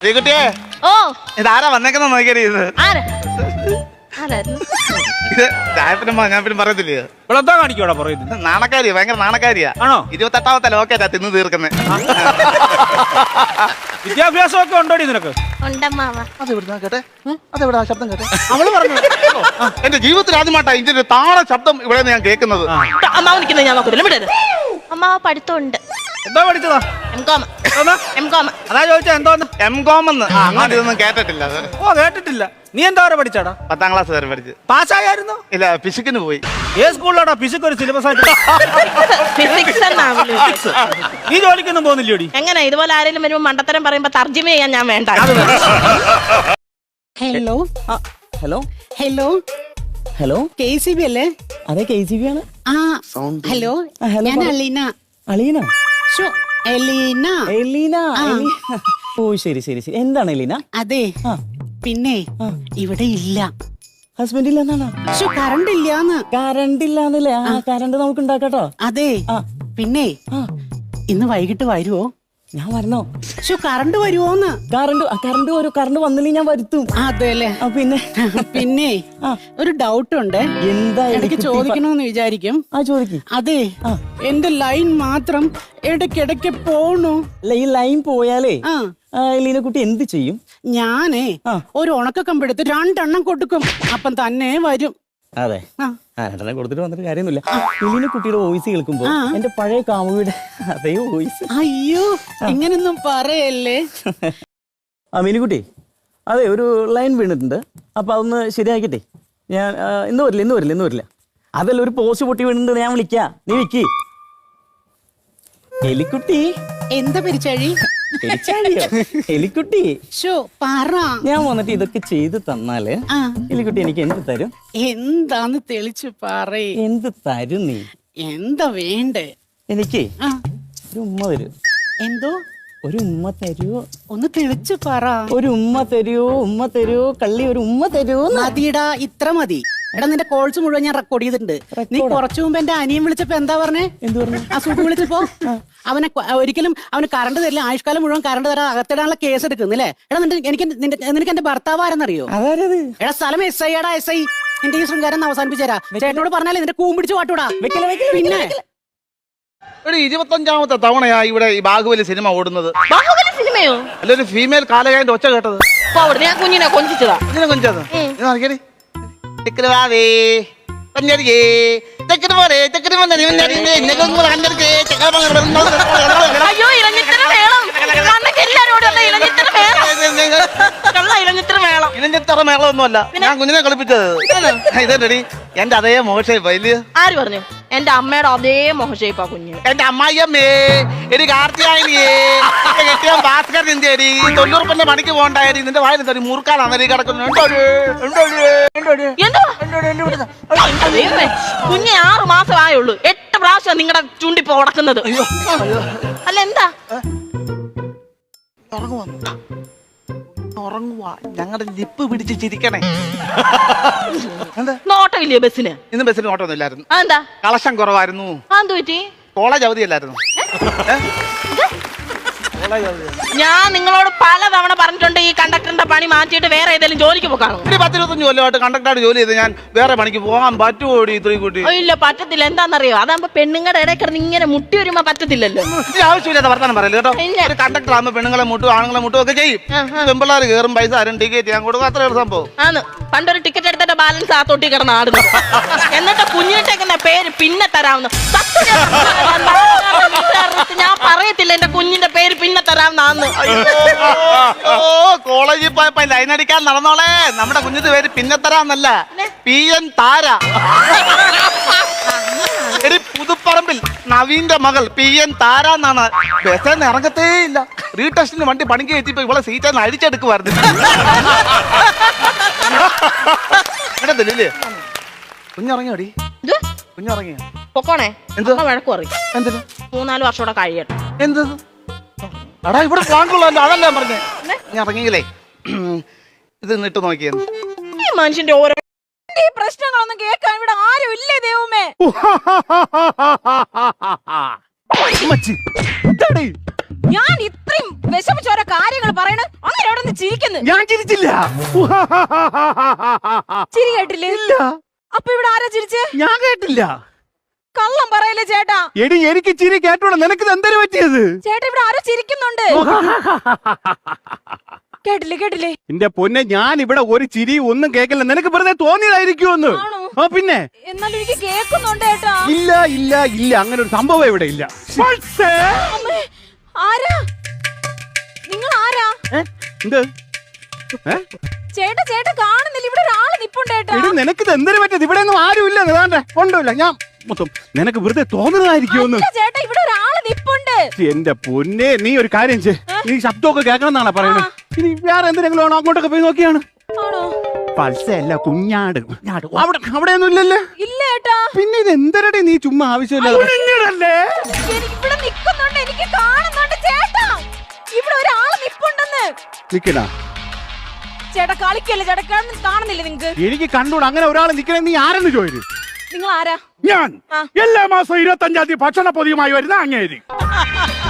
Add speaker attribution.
Speaker 1: ശ്രീകുട്ടിയെ
Speaker 2: ഓ
Speaker 1: ഇതാരാ വന്നേക്കുന്ന നോക്കിയത് ഇത് ചായപ്പിനുമ്പോ ഞാൻ പിന്നെ പറയത്തില്ലേ
Speaker 3: ഇവിടെ കാണിക്കോടാ പറയുന്നത്
Speaker 1: നാണക്കാരിയാ ഭയങ്കര നാണക്കാരിയാ
Speaker 3: ആണോ
Speaker 1: 28ാമത്തെ ലോക്കേറ്റാ തിന്ന് തീർക്കുന്നേ
Speaker 3: വിദ്യാഭ്യാസമൊക്കെ ഉണ്ടോടി നിനക്ക്
Speaker 1: അതെവിടുന്നാ കേട്ടെ അതെവിടാ ശബ്ദം കേട്ടെ
Speaker 3: അവള് പറഞ്ഞു
Speaker 1: എന്റെ ജീവിതത്തിൽ ആദ്യമായിട്ടാ ഇതിന്റെ താഴെ ശബ്ദം ഇവിടെ ഞാൻ കേൾക്കുന്നത്.
Speaker 2: അമ്മാവ് നിൽക്കുന്നത് ഞാൻ നോക്കില്ല വിടരുത്. അമ്മാവ് പഠിത്തമുണ്ട്.
Speaker 3: എന്താ പഠിച്ചതാ? അതാ ചോദിച്ചാ എന്തോന്ന്
Speaker 1: M.Com അങ്ങനെ ഇതൊന്നും കേട്ടിട്ടില്ല.
Speaker 3: ഓ കേട്ടിട്ടില്ല. നീ എന്താ വരെ പഠിച്ചാടാ?
Speaker 1: 10ാം ക്ലാസ് വരെ പഠിച്ചു.
Speaker 3: പാസ്സായിരുന്നു?
Speaker 1: ഇല്ല ഫിസിക്കിന് പോയി.
Speaker 3: ഏത് സ്കൂളിലാടാ ഫിസിക്സ് ഒരു സിലബസ് ആയിട്ട്? നീ ജോലിക്കൊന്നും പോകുന്നില്ലോടി?
Speaker 2: എങ്ങനെ ഇതുപോലെ ആരെങ്കിലും വരുമ്പോ മണ്ടത്തരം പറയുമ്പോ തർജ്ജമ ചെയ്യാൻ ഞാൻ വേണ്ട.
Speaker 4: Hello
Speaker 5: hello
Speaker 4: hello
Speaker 5: hello
Speaker 4: KCB അല്ലേ?
Speaker 5: അതെ KCB ആണ്.
Speaker 4: ആ ഹലോ ഞാൻ അലീന.
Speaker 5: അലീന?
Speaker 4: ഷോ എലീന.
Speaker 5: എലീന. ഓ ശരി ശരി ശരി. എന്താണ് എലീന?
Speaker 4: അതെ പിന്നെ ഇവിടെ ഇല്ല.
Speaker 5: ഹസ്ബൻഡ് ഇല്ല എന്നാണ്?
Speaker 4: ഷോ കറണ്ട് ഇല്ലാന്ന്.
Speaker 5: കറണ്ട് ഇല്ലാന്നല്ലേ? ആ കറണ്ട് നമുക്ക് ഉണ്ടാക്കാട്ടോ.
Speaker 4: അതെ പിന്നെ ഇന്ന് വൈകിട്ട് വരുവോ?
Speaker 5: ഞാൻ വരണോ?
Speaker 4: ഷോ കറണ്ട് വരുവോന്ന്?
Speaker 5: കറണ്ട് വരും. കറണ്ട് വന്നില്ലെങ്കിൽ ഞാൻ വരുത്തും.
Speaker 4: അതെല്ലേ?
Speaker 5: പിന്നെ
Speaker 4: പിന്നെ ഒരു ഡൗട്ട് ഉണ്ട്.
Speaker 5: എന്താ?
Speaker 4: ഇടയ്ക്ക് ചോദിക്കണോന്ന് വിചാരിക്കും.
Speaker 5: ചോദിക്കും.
Speaker 4: അതെ എന്റെ ലൈൻ മാത്രം ഇടയ്ക്കിടയ്ക്ക് പോണു.
Speaker 5: ഈ ലൈൻ പോയാലേ എലീന കുട്ടി എന്ത് ചെയ്യും?
Speaker 4: ഞാനേ ഒരു ഉണക്ക കമ്പെടുത്ത് 2 എണ്ണം കൊടുക്കും. അപ്പം തന്നെ വരും.
Speaker 5: അതെ രണ്ടെണ്ണം കൊടുത്തിട്ട് വന്നിട്ട് കാര്യമൊന്നുമില്ല. എലീന കുട്ടിയുടെ വോയിസ് കേൾക്കുമ്പോ എന്റെ പഴയ കാമുകിയുടെ അതേ വോയിസ്.
Speaker 4: അയ്യോ ഇങ്ങനൊന്നും പറയല്ലേ.
Speaker 5: മീനുകുട്ടി അതെ ഒരു ലൈൻ വീണിട്ടുണ്ട്. അപ്പൊ അതൊന്ന് ശരിയാക്കിട്ടെ. ഞാൻ ഇന്ന് വരില്ല. അതല്ല ഒരു പോസ്റ്റ് പൊട്ടി വീണിട്ടുണ്ട്. ഞാൻ വിളിക്കാം. നീ വിക്കി. എലിക്കുട്ടി.
Speaker 4: എന്താ പെരിച്ചാഴി?
Speaker 5: എലിക്കുട്ടി
Speaker 4: ഷോ പറ.
Speaker 5: ഞാൻ വന്നിട്ട് ഇതൊക്കെ ചെയ്ത് തന്നാല് എലിക്കുട്ടി എനിക്ക് എന്ത് തരും?
Speaker 4: എന്താന്ന് തെളിച്ചു പറയ്.
Speaker 5: എന്ത് തരും നീ?
Speaker 4: എന്താ വേണ്ടേ?
Speaker 5: എനിക്ക് ഒരു ഉമ്മ തരൂ.
Speaker 4: എന്തോ?
Speaker 5: ഒരു ഉമ്മ തരൂ.
Speaker 4: ഒന്ന് തെളിച്ചു പറ.
Speaker 5: ഒരു ഉമ്മ തരൂ കള്ളി. ഒരു ഉമ്മ തരൂ.
Speaker 4: മതിടാ ഇത്ര മതി. എടാ നിന്റെ കോൾസ് മുഴുവൻ ഞാൻ റെക്കോർഡ് ചെയ്തിട്ടുണ്ട്. നീ കുറച്ചു മുമ്പ് എന്റെ അനിയൻ വിളിച്ചപ്പോ എന്താ പറഞ്ഞേ?
Speaker 5: എന്ത് പറഞ്ഞു?
Speaker 4: ആ സുഖം വിളിച്ചപ്പോ ഒരിക്കലും അവന് കറണ്ട് തരില്ല. ആയുഷ്കാലം മുഴുവൻ കറണ്ട് തരാൻ അകത്തിടാനുള്ള കേസ് എടുക്കുന്നില്ലേ? എടാ നിനക്ക് എന്റെ ഭർത്താവ് ആരെന്നറിയോ? എടാ സ്ഥലം SI ടാ SI. നിന്റെ ഈ ശൃംഗാരം അവസാനിപ്പിച്ചേരാ. ചേട്ടനോട് പറഞ്ഞാലേ നിന്റെ കൂമ്പിടിച്ച് പാട്ടൂടാ. പിന്നെ
Speaker 1: 25ാമത്തെ തവണയാ ഇവിടെ ഈ ബാഹുബലി സിനിമ ഓടുന്നത്.
Speaker 2: ബാഹുബലി സിനിമയോ?
Speaker 1: അല്ല ഒരു ഫീമെയിൽ കാലകായന്റെ ഒച്ച കേട്ടത്.
Speaker 2: ഞാൻ കുഞ്ഞിനെ കൊഞ്ചിച്ചതാ.
Speaker 1: ഇതിനെ കൊഞ്ചത്
Speaker 2: അയ്യോ ഇലഞ്ഞിത്തരം വേണം.
Speaker 1: ഇലഞ്ഞിത്തറ മേളമൊന്നുമല്ല. ഞാൻ കുഞ്ഞിനെ കളിപ്പിച്ചത്. ഇതെടി എന്റെ അതേ മോശം വലിയ.
Speaker 2: ആര് പറഞ്ഞു? എന്റെ അമ്മയുടെ അതേ മോഹഷേപ്പാ കുഞ്ഞ്.
Speaker 1: എന്റെ അമ്മായിയമ്മേ എടി കാർത്തിയായനിയേ കെട്ടിയ ഭാസ്കർ നിന്റെടി 90 രൂപന്റെ പണിക്ക് പോകണ്ടായി. നിന്റെ വായിൽ തടി മുറുക്കാനാണ് കിടക്കുന്നത്.
Speaker 2: കുഞ്ഞ് 6 മാസം ആയുള്ളൂ. 8 പ്രാവശ്യം നിങ്ങളുടെ ചൂണ്ടിപ്പോ ഉടക്കുന്നത്. അല്ല എന്താ
Speaker 1: ഉറങ്ങുവാ? ഞങ്ങളുടെ ലിപ്പ് പിടിച്ച് ചിരിക്കണേ.
Speaker 2: നോട്ടമില്ലേ ബസ്സിന്?
Speaker 1: ഇന്ന് ബസ്സിന് നോട്ടൊന്നും ഇല്ലായിരുന്നു.
Speaker 2: എന്താ?
Speaker 1: കളക്ഷൻ കുറവായിരുന്നു.
Speaker 2: എന്ത് പറ്റി?
Speaker 1: കോളേജ് അവധിയല്ലായിരുന്നു.
Speaker 2: ഞാൻ നിങ്ങളോട് പലതവണ പറഞ്ഞിട്ടുണ്ട് ഈ കണ്ടക്ടറിന്റെ പണി മാറ്റിയിട്ട് വേറെ ഏതെങ്കിലും ജോലിക്ക് പോകാണോ?
Speaker 1: 10-25 കൊല്ലമായിട്ട് കണ്ടക്ടറായിട്ട് ജോലി ചെയ്ത് ഞാൻ വേറെ പണിക്ക് പോകാൻ പറ്റുമോടി? ഇത്രയും കൂട്ടി
Speaker 2: ഇല്ല പറ്റത്തില്ല. എന്താണെന്നറിയോ? അതാകുമ്പോ പെണ്ണുങ്ങളുടെ ഇടയിൽ കിടന്ന് ഇങ്ങനെ മുട്ടി വരുമ്പോ പറ്റത്തില്ലല്ലോ.
Speaker 1: ആവശ്യമില്ലാത്ത വർത്താനം പറയല്ലേ കേട്ടോ. ഒരു കണ്ടക്ടർ ആകുമ്പോ പെണ്ണുങ്ങളെ മുട്ടും ആണുങ്ങളെ മുട്ടും ഒക്കെ ചെയ്യും. പെമ്പിള്ളേർ കയറും പൈസ ആരും ടിക്കറ്റ് ഞാൻ കൊടുക്കും. അത്ര ഒരു സംഭവം
Speaker 2: ആണ്. പണ്ടൊരു ടിക്കറ്റ് എടുത്തിട്ട് ബാലൻസ് ആ തൊട്ടി കിടന്ന് ആടുന്നത്. എന്നിട്ട് കുഞ്ഞിട്ടേക്കുന്ന പേര് പിന്നെ തരാവുന്ന. ഞാൻ പറയത്തില്ല എന്റെ കുഞ്ഞിന്റെ പേര് പിന്നെ തരാവുന്ന.
Speaker 1: കോളേജിൽ പോയപ്പോ ലൈൻ അടിക്കാൻ നടന്നോളെ. നമ്മുടെ കുഞ്ഞിന്റെ പേര് പിന്നെ തരാന്നല്ല, PN താര. എടി പുതുപ്പറമ്പിൽ നവീന്റെ മകൾ PN താര എന്നാണ്. ബസ്സിന്ന് ഇറങ്ങത്തേ ഇല്ല. റീടെസ്റ്റിന് വണ്ടി പണിക്ക് എത്തിയപ്പോ ഇവളെ സീറ്റ് അടിച്ചെടുക്കുവായിരുന്നു. കുഞ്ഞിറങ്ങിയോടി? കുഞ്ഞിറങ്ങിയോ?
Speaker 2: പൊക്കോണേ.
Speaker 1: എന്ത്
Speaker 2: വഴക്ക് പറയും.
Speaker 1: എന്തിന്?
Speaker 2: 3-4 വർഷം കൂടെ കഴിയട്ടെ.
Speaker 1: എന്ത് അടാ ഇവിടെ പ്ലാങ്കുള്ളല്ലോ. അതല്ല പറഞ്ഞേ. ഞാൻ ഇറങ്ങിയില്ലേ ഇത് ഇട്ട് നോക്കിയത്.
Speaker 2: ഈ മനുഷ്യന്റെ ഓരോ
Speaker 6: പ്രശ്നങ്ങളൊന്നും കേൾക്കാൻ ഇവിടെ ആരും ഇല്ലേ ദൈവമേ. ഞാൻ ഇത്രയും വിഷമിച്ച ഓരോ കാര്യങ്ങൾ പറയണ അങ്ങനെ ആരോ ചിരിക്കുന്നു.
Speaker 7: ഞാൻ ചിരിച്ചില്ല.
Speaker 6: ചിരി കേട്ടില്ലേ?
Speaker 7: ഇല്ല,
Speaker 6: അപ്പൊ ഇവിടെ ആരാ ചിരിച്ചേ?
Speaker 7: ഞാൻ കേട്ടില്ല.
Speaker 6: കള്ളം പറയല്ലേ ചേട്ടാ.
Speaker 7: എടി എനിക്ക് ചിരി കേട്ടോളൂ. നിനക്ക് എന്തൊരു പറ്റിയത്?
Speaker 6: ചേട്ടാ ഇവിടെ ആരോ ചിരിക്കുന്നുണ്ട്. കേട്ടില്ലേ?
Speaker 7: എന്റെ പൊന്നെ, ഞാൻ ഇവിടെ ഒരു ചിരി ഒന്നും കേക്കില്ല. നിനക്ക് വെറുതെ തോന്നിയതായിരിക്കുമെന്ന്.
Speaker 6: ആണോ?
Speaker 7: ആ പിന്നെ.
Speaker 6: എന്നാലും എനിക്ക് കേൾക്കുന്നുണ്ട് ചേട്ടാ.
Speaker 7: ഇല്ല അങ്ങനെ ഒരു സംഭവം ഇവിടെ ഇല്ല.
Speaker 6: അമ്മേ, ആരാ നിങ്ങൾ? ആരാ?
Speaker 7: എന്ത്?
Speaker 6: ചേട്ടാ കാണുന്നില്ല. ഇവിടെ ഒരാള് നിപ്പുണ്ട് ചേട്ടാ.
Speaker 7: എടി നിനക്ക് എന്തൊരു പറ്റിയത്? ഇവിടെ ഒന്നും ആരും ഇല്ല. കൊണ്ടുമില്ല. ഞാൻ മൊത്തം നിനക്ക് വെറുതെ തോന്നുന്നതായിരിക്കുമെന്ന്.
Speaker 6: അല്ല ചേട്ടാ, ഇവിടെ ഒരാള് നിപ്പുണ്ട്.
Speaker 7: എന്റെ പൊന്നെ, നീ ഒരു കാര്യം ചെയ്യ്. നീ ശബ്ദമൊക്കെ കേൾക്കണം എന്നാണ് പറയുന്നത്. ഇനി വേറെ എന്തെങ്കിലും ആണോ? അങ്ങോട്ടൊക്കെ പോയി നോക്കിയാണ്.
Speaker 6: ആണോ?
Speaker 7: പൾസല്ല, കുഞ്ഞാട്. അവിടെയൊന്നും ഇല്ലല്ലേ?
Speaker 6: ഇല്ല ചേട്ടാ.
Speaker 7: പിന്നെ ഇത് എന്തരടി നീ ചുമ്മാ ആവശ്യമില്ല.
Speaker 6: എനിക്ക് ഇവിടെ നിക്കുന്നുണ്ട്. എനിക്ക് കാണുന്നുണ്ട് ചേട്ടാ. ഇവിടെ ഒരാള് നിപ്പുണ്ടെന്ന്.
Speaker 7: നിക്കണ
Speaker 6: ചേട്ടാ കളിക്കല്ലേ ചേട്ടാ. കാണുന്നില്ലേ നിങ്ങക്ക്?
Speaker 7: എനിക്ക് കണ്ടൂടാ. അങ്ങനെ ഒരാൾ നിക്കണേ. നീ ആരെന്ന് ചോദിച്ചു?
Speaker 6: നിങ്ങൾ ആരാ?
Speaker 8: ഞാൻ എല്ലാ മാസം 25-ാം തീയതി ഭക്ഷണ പൊതിയുമായി വരുന്ന അങ്ങേരി.